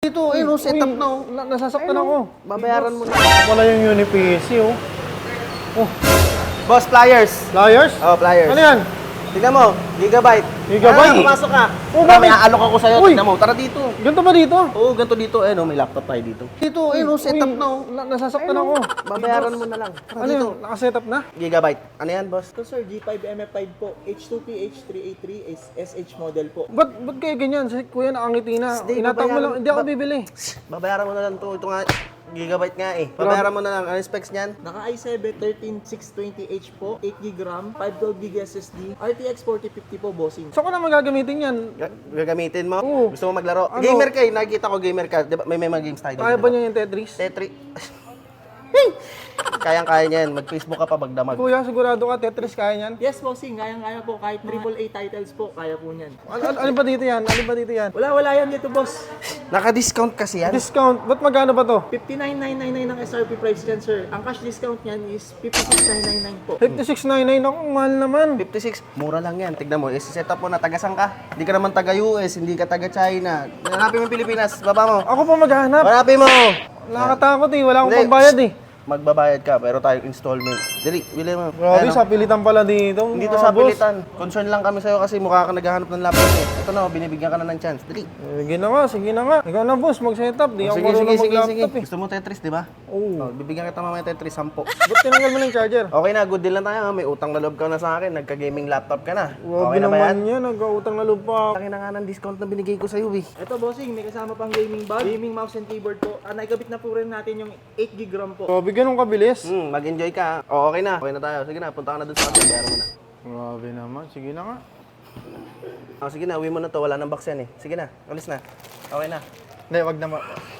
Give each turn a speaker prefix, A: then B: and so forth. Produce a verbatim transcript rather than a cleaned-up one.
A: Ito, ayun, oh, setup na, oh.
B: Na, nasasaktan ako.
A: Babayaran mo na.
B: Wala yung Uni-P C, oh. Oh,
A: Boss, pliers.
B: pliers?
A: Oh, pliers.
B: Ano yan?
A: Tignan mo, gigabyte.
B: Gigabyte?
A: Ah, pumasok ka.
B: Oh,
A: Tara, may
B: bakit?
A: aalok ako sa'yo.
B: Uy!
A: Tignan mo, tara dito.
B: Ganito ba dito?
A: Oo, ganito dito. Eh, no, may laptop tayo dito. Dito, ayun, oh, setup na, oh.
B: Na, nasasaktan ako.
A: Babayaran mo na lang. Tara
B: Ano
A: dito.
B: yun? Nakasetup na?
A: Gigabyte. Ano yan, boss?
C: Ito sir, G five M F five po, H two P H three A three is S H model po.
B: Ba't, ba't kayo ganyan? Si kuya nakangiti na.
A: Hindi,
B: Inatak mo
A: babayaran-
B: lang. Hindi ako
A: ba-
B: bibili.
A: Babayaran mo na lang to. Ito nga, gigabyte nga eh. Babayaran mo na lang. Ano yung specs niyan?
C: Naka i seven thirteen six twenty H po, eight gig RAM, five twelve gig S S D, R T X forty fifty po bossing.
B: So ko na magagamitin yan.
A: Ga- Gagamitin mo?
B: Oo.
A: Gusto mo maglaro?
B: Ano?
A: Gamer ka eh. Nakikita ko gamer ka. Di ba? May may mga games tayo.
B: Kaya
A: dito,
B: ba
A: di
B: niya yung Tetris?
A: Tetris. Kayang-kaya niyan. Mag-Facebook ka pa magdamag.
B: Kuya, sigurado ka Tetris kaya niyan?
C: Yes bossing, kayang-kaya po, kahit triple A titles po, kaya po niyan.
B: Ano, ano, ano ba dito yan? Ano ba dito yan?
C: Wala, wala yan dito boss.
A: Naka-discount kasi yan.
B: Discount. Ba't magkano ba to?
C: fifty-nine thousand nine hundred ninety-nine ang S R P price dyan sir. Ang cash discount niyan is fifty-six thousand nine hundred ninety-nine po.
B: fifty-six ninety-nine. Ako, mahal naman.
A: fifty-six. Mura lang yan. Tignan mo. I-set up mo na. Tagasan ka. Hindi ka naman taga-U S. Hindi ka taga-China. Hanapin mo yung Pilipinas. Baba mo.
B: Ako pa maghanap.
A: Hanapin mo.
B: Nakakatakot eh. Wala akong
A: Hindi.
B: pambayad eh.
A: Magbabayad ka. Pero tayong installment. Dali. Bili mo.
B: Grabe,
A: Ayan, oh.
B: sa pilitan pala dito.
A: Dito
B: mga
A: sa
B: boss.
A: pilitan. Concern lang kami sa'yo kasi mukha ka naghahanap ng laptop eh. Ito na, oh, binibigyan ka na ng chance. Dali.
B: Eh, Sige na nga, sige na nga. Ikaw na boss, mag-setup. Di ako
A: Sige, sige,
B: marunong
A: sige, sige.
B: mag-laptop eh.
A: Gusto mo Tetris, di ba?
B: Oo.
A: Oh, bibigyan kita mamaya Tetris, sampo.
B: Ba't tinanggal mo ng charger?
A: Okay na, good deal lang tayo. ha? May utang na loob ka na sa akin. Nagka-gaming laptop ka na.
B: Grabe
A: Okay na ba yan?
B: naman yan. Nag-utang na loob pa ako.
A: Laki na nga ng discount na binigay ko sa'yo eh.
C: Ito bossing, may kasama pang gaming bag, gaming mouse and keyboard po. Ah, naikabit na po rin natin yung eight gig RAM po.
B: Grabe, ganun kabilis.
A: Hmm, mag-enjoy ka. O, okay na. Okay na tayo. Sige na, punta ka na dun sa kasi. Bayaran mo na.
B: Grabe naman. Sige na nga.
A: Oh, sige na, uwi mo na to. Wala nang box yan eh. Sige na, alis na. Okay na.
B: Hindi, wag na ma...